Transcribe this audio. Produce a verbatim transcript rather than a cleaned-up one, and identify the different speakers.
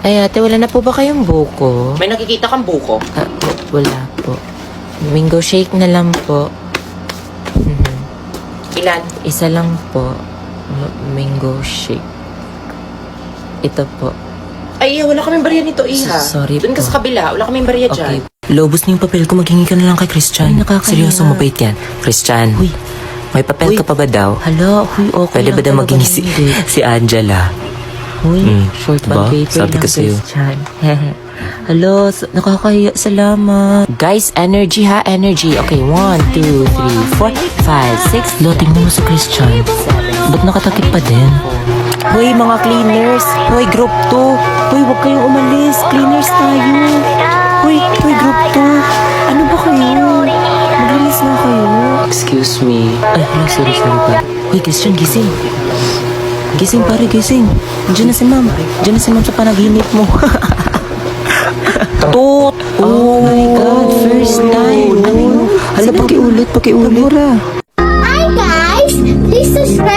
Speaker 1: Ay, ate, wala na po ba kayong buko?
Speaker 2: May nakikita kang buko?
Speaker 1: Ah, w- wala po. Mango shake na lang po. Mhm.
Speaker 2: Ilan?
Speaker 1: Isa lang po. M- mango shake. Ito po.
Speaker 2: Ay, wala kaming barya nito, Iha.
Speaker 1: S- sorry
Speaker 2: Doon ka
Speaker 1: po.
Speaker 2: sa kabila, wala kaming barya dyan.
Speaker 1: Okay. Lobos na yung papel ko. Maghingi ka na lang kay Christian.
Speaker 3: Ay, nakakahiya.
Speaker 1: Seryoso, mabait yan. Christian,
Speaker 3: Uy.
Speaker 1: may papel
Speaker 3: Uy.
Speaker 1: ka pa ba daw?
Speaker 3: Hala, huy, okay
Speaker 1: Pwede ba
Speaker 3: lang
Speaker 1: daw
Speaker 3: talaga
Speaker 1: maghingi si,
Speaker 3: hindi.
Speaker 1: si Angela?
Speaker 3: Huy,
Speaker 1: Mm,
Speaker 3: short
Speaker 1: diba?
Speaker 3: bag paper
Speaker 1: Sabi
Speaker 3: lang,
Speaker 1: ko sa'yo.
Speaker 3: Christian. Hello, s- nakakahiya. Salamat.
Speaker 1: Guys, energy ha, energy. Okay, one, two, three, four, five, six,
Speaker 3: Lo, tingnan mo si Christian. Ba't nakatakip pa din?
Speaker 1: Hoy, mga cleaners! Hoy, group two! Hoy, huwag kayong umalis! Cleaners tayo! Hoy, hoy, group two! Ano ba kayo? Maglinis na kayo. Excuse me.
Speaker 3: Ay, hala, sorry, sorry pa. Uy, Christian, gising. Gising, pare, gising. Diyan na si ma'am. Diyan na si ma'am sa panaginip mo.
Speaker 1: Toot!
Speaker 3: Oh my God, first time. Hala, pakiulit, pakiulit.
Speaker 4: Hi guys! Please subscribe